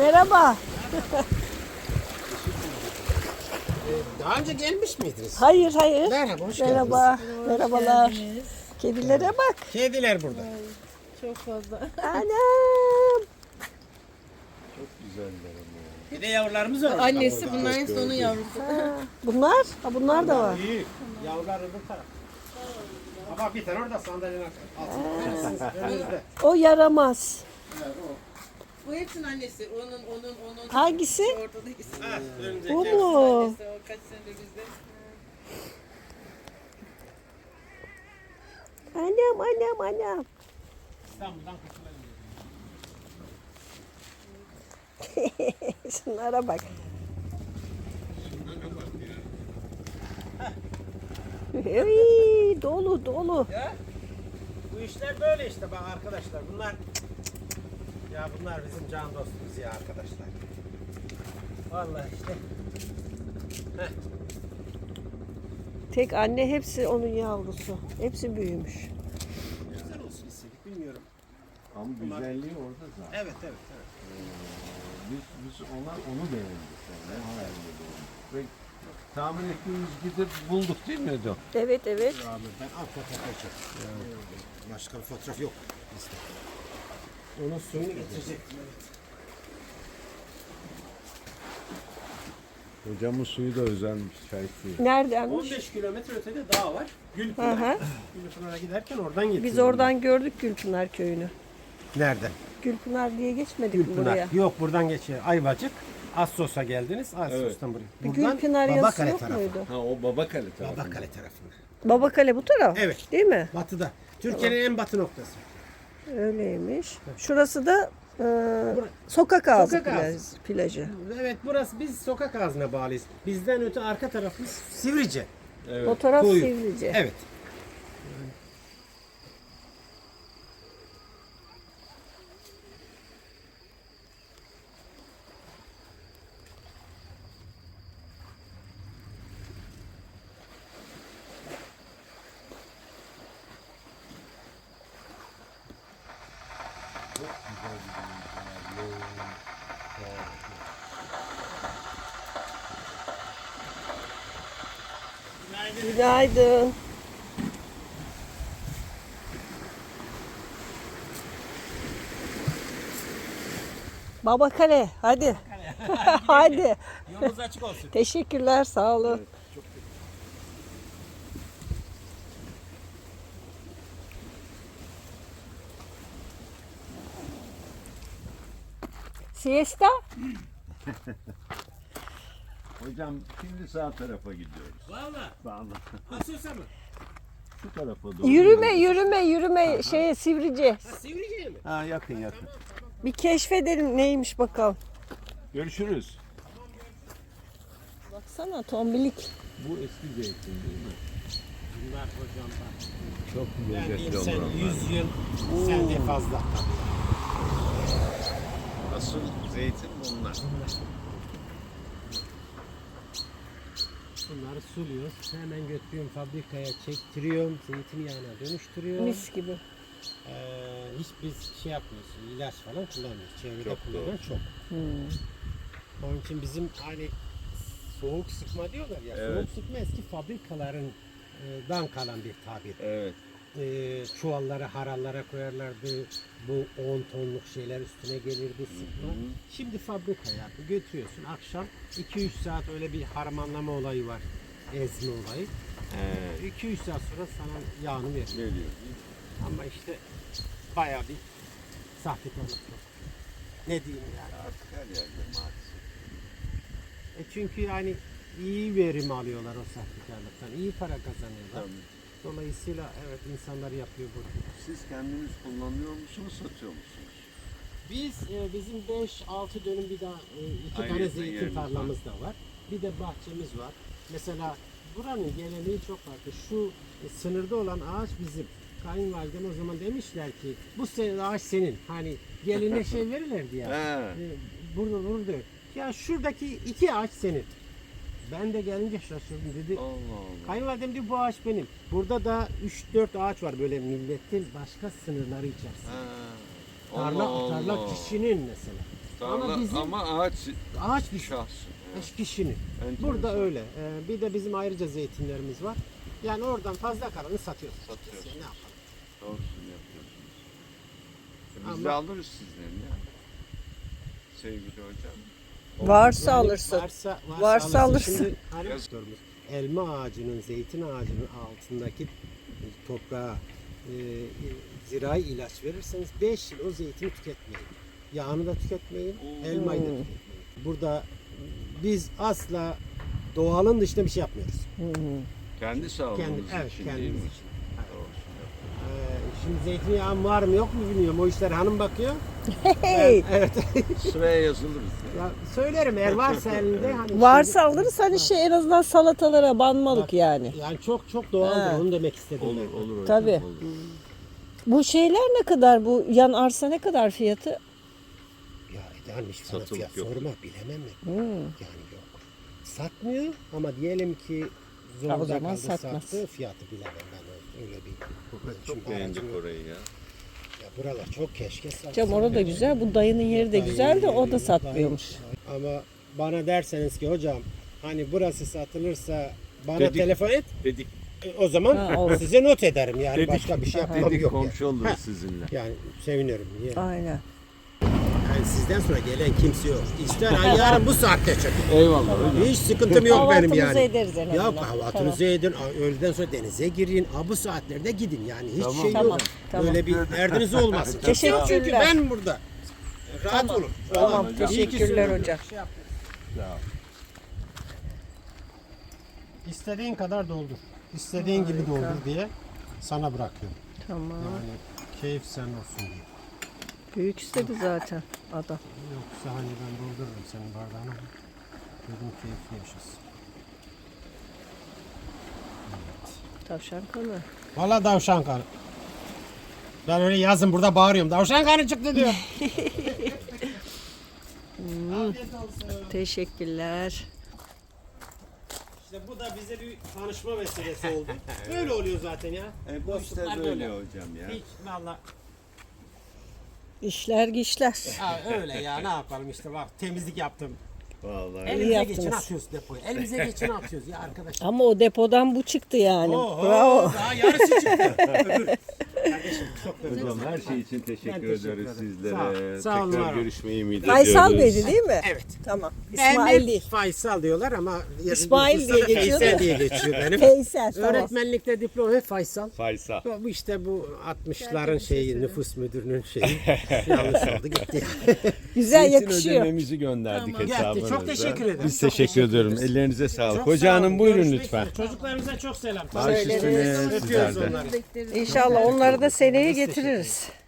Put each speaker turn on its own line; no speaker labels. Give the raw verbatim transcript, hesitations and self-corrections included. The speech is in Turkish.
Merhaba.
Daha önce gelmiş miydiniz?
Hayır hayır.
Merhaba, hoş
Merhaba.
geldiniz.
Merhabalar.
geldiniz.
Kedilere bak.
Kediler burada.
Çok fazla.
Anam.
Bir de yavrularımız var.
Annesi bunların sonu yavrusu.
Ha, bunlar? Ha, bunlar da var.
İyi. Yavrular öbür taraf. Ama bir tane orada sandalyenin altında. Önünüzde.
O yaramaz.
Bu hepsinin annesi. Onun, onun, onun.
Hangisi?
Ortadakisi.
Ha, önümüzdeki.
Bu mu?
Annesi o kaç senedir bizde.
Annem annem annem.
İstanbul'dan kurtulalım.
Şunlara bak. Hey, dolu dolu.
Ya, bu işler böyle işte bak arkadaşlar. Bunlar ya bunlar bizim can dostumuz ya arkadaşlar. Vallahi işte.
Tek anne, hepsi onun yavrusu. Hepsi büyümüş.
Güzel olsun istedik bilmiyorum.
Ama güzelliği orada zaten.
Evet evet evet.
Biz, biz onlar onu beğendik. Yani. O halde beğendik. Ve tahmin ettiğimiz gidip bulduk değil mi Edo?
Evet evet.
Abi ben al fotoğrafı çek. Başka bir fotoğraf yok bizde. Onun suyunu getirecektim evet.
Hocamın suyu da özelmiş. Çay suyu.
Neredenmiş?
on beş kilometre ötede dağ var.
Hı
Gülpınar.
hı.
Gülpınar'a giderken oradan getiriyorum.
Biz oradan gördük Gülpınar köyünü.
Nereden?
Gülpınar diye geçmedik mi
Gülpınar.
buraya?
Yok buradan geçiyor. Ayvacık. Assos'a geldiniz. Assos'tan buraya.
Bir
Buradan
Gülpınar yazısı
Babakale
yok
tarafı.
muydu?
Ha o Babakale tarafı.
Babakale tarafında.
Babakale bu taraf.
Evet.
Değil mi?
Batıda. Türkiye'nin en batı noktası.
Öyleymiş. Şurası da e, sokak ağzı,
Sokak
plaj-
ağzı.
plajı.
Evet burası biz sokak ağzına bağlıyız. Bizden öte arka tarafımız Sivrice.
Evet.
O taraf
Koyu.
Sivrice.
Evet.
Günaydın. Babakale hadi. Hadi.
Yolunuz açık olsun.
Teşekkürler, sağ olun. Siesta?
Hocam şimdi sağ tarafa gidiyoruz.
Valla.
Vallahi.
Assos'a mı?
Şu tarafa doğru.
Yürüme, yürüme, yürüme. Şeye Sivrice.
Sivrice'ye mi?
Ha yakın yakın.
Bir keşfedelim neymiş bakalım.
Görüşürüz.
Baksana tombilik.
Bu eski zeytin değil mi?
Bunlar hocam bak.
Çok
Ben diyeyim
lezzetli
sen
olur onlar.
yüz yıl sende fazla.
Asıl zeytin bunlar.
Bunları suluyoruz. Hemen götürüyorum fabrikaya çektiriyorum. Zeytinyağına dönüştürüyorum.
Mis gibi.
Ee, hiç biz şey yapmıyoruz. İlaç falan kullanmıyoruz. Çevrede
Çok
kullanan
doğru.
çok.
Hmm.
Onun için bizim hani soğuk sıkma diyorlar ya.
Evet.
Soğuk sıkma eski fabrikaların e, dan kalan bir tabir.
Evet.
E, çuvallara, harallara koyarlardı. Bu on tonluk şeyler üstüne gelirdi sıkma. Şimdi fabrika yapı götürüyorsun. Akşam iki üç saat öyle bir harmanlama olayı var. Ezme olayı. iki üç saat sonra sana yağını veriyor.
Geliyor.
Ama işte bayağı bir sahtekarlık var. Ne diyeyim yani.
Artık her yerde maalesef.
E çünkü yani iyi verim alıyorlar o sahtekarlıktan. İyi para kazanıyorlar.
Tabii.
Dolayısıyla evet insanlar yapıyor bunu.
Siz kendiniz kullanıyor musunuz, satıyor musunuz?
Biz e, bizim beş altı dönüm bir daha e, iki
Ayrıca
tane zeytin
yeriniz
tarlamız da var. Bir de bahçemiz var. Mesela buranın geleneği çok farklı. Şu e, sınırda olan ağaç bizim. Kayınvalidem o zaman demişler ki bu sene ağaç senin. Hani geline şey verirlerdi ya.
He.
E, burada burada. Ya şuradaki iki ağaç senin. Ben de gelince şaşırdım dedi.
Allah Allah.
Kayınvalidem diyor bu ağaç benim. Burada da üç dört ağaç var böyle milletin başka sınırları içerisinde.
Ha.
Tarla,
Allah
tarla
Allah.
kişinin mesela.
Tarla
Ama bizim
ama ağaç
ağaç bir
şahsı.
Beş kişinin.
Enteresan.
Burada öyle. Ee, bir de bizim ayrıca zeytinlerimiz var. Yani oradan fazla kalanı satıyoruz.
Satıyoruz.
Ne yapalım?
Doğrusunu yapıyorsunuz. E biz
Ama-
de alırız sizden ya. Sevgili hocam.
Varsa
Yani
alırsın.
Varsa, varsa,
Varsa alırsın.
Şimdi hani sorumuz, elma ağacının, zeytin ağacının altındaki toprağa e, e, zirai ilaç verirseniz beş yıl o zeytini tüketmeyin. Yağını da tüketmeyin,
Oo.
elmayı da tüketmeyin. Burada biz asla doğalın dışında bir şey yapmıyoruz.
Kendi sağlığımız
Kendi, evet,
için değil
kendimiz
mi?
için.
Doğrusunu yapıyorsunuz.
Ee, şimdi zeytinyağım var mı yok mu bilmiyorum. O işler hanım bakıyor.
Hey.
Ben- evet.
Sıraya yazılırız. Ya.
Ya söylerim eğer varsa elinde. Hani
Varsa
şimdi-
alırız hani şey en azından salatalara banmalık
Bak,
yani.
Yani çok çok doğaldır.
Ha.
Onu demek istedim.
Olur
ben.
olur hocam.
Tabii.
Olur.
Bu şeyler ne kadar, bu yan arsa ne kadar fiyatı?
Ya yanlış sana
Satılık
fiyat
yok.
sorma bilemem mi?
Hmm.
Yani yok. Satmıyor ama diyelim ki
Ha, o
zorda
zaman
kaldı
satmaz.
sattı fiyatı bilemem ben öyle bir.
Çok
Şimdi
beğendik
aracım-
orayı ya.
Ya buralar çok keşke satsa.
Cam orada güzel, bu dayının yeri de güzel de o da satmıyormuş.
Ama bana derseniz ki hocam hani burası satılırsa bana
Dedik.
telefon et.
Dedik,
E, O zaman
Ha, olur.
size not ederim yani
Dedik.
başka bir şey yapmam
dedik
yok. Yani.
komşu oluruz sizinle.
yani sevinirim. Niye?
Aynen.
Yani sizden sonra gelen kimse yok. İster hani yarın bu saatte çekin.
Eyvallah hocam.
Hiç sıkıntım yok benim
Kahvaltımızı
yani.
ederiz en
Ya
azından.
kahvaltınızı edin, öğleden sonra denize girin, ha, bu saatlerde gidin yani hiç
Tamam.
şey
Tamam,
yok.
tamam.
Böyle bir derdiniz olmasın. Kimse yok çünkü
Teşekkürler.
ben burada. Rahat olun.
Tamam,
hocam.
teşekkürler hocam.
Şey yapın.
Ya.
İstediğin kadar doldur. İstediğin gibi doldur diye sana bırakıyorum.
Tamam.
Yani keyif sen olsun diye.
Büyük istedi zaten adam.
Yoksa hani ben doldururum senin bardağını. Dedim keyifli yaşasın.
Tavşan kanı.
Valla davşan kanı. Ben öyle yazın burada bağırıyorum. Davşan kanı çıktı diyor. Afiyet olsun.
Teşekkürler.
İşte bu da bize bir tanışma vesilesi oldu. Böyle oluyor zaten ya.
E, bu işte
Dostluklar
böyle hocam ya.
Hiç valla.
İşler güçler.
Ha, öyle ya ne yapalım işte bak temizlik yaptım.
Vallahi.
Elimize
yaptınız.
geçin atıyoruz depoya. Elimize geçin atıyoruz ya arkadaşlar.
Ama o depodan bu çıktı yani.
Oho,
Bravo.
daha yarısı çıktı. Öbür. Kardeşim çok özür
Hocam
dilerim.
her şey için teşekkür,
Ben teşekkür
ederiz
ederim.
sizlere.
Sağ ol. Sağ olun, var
Tekrar
olun.
görüşmeyi ümit
Faysal
ediyoruz.
Bey'di değil mi?
Evet.
Tamam.
Ben
İsmail
hep
değil.
Faysal diyorlar ama
İsmail
nüfusta
diye
da
geçiyor
Faysal
da.
diye geçiyor benim.
Faysal tamam.
Öğretmenlikte diploma hep Faysal.
Faysal.
Bu işte bu altmışların şeyi nüfus müdürünün şeyi yanlış oldu gitti.
Güzel
Zeytin
yakışıyor.
ödememizi gönderdik
Geldi.
hesabınıza.
Çok teşekkür ederim.
Biz
Çok
teşekkür ediyorum.
ederiz.
Ellerinize sağlık.
Çok
Hoca
sağ
hanım
olun.
buyurun
Görüşmek
lütfen.
üzere. Çocuklarımıza çok selam.
Baş üstüne
Öpüyoruz
sizlerden.
onları.
İnşallah onları da seneye getiririz.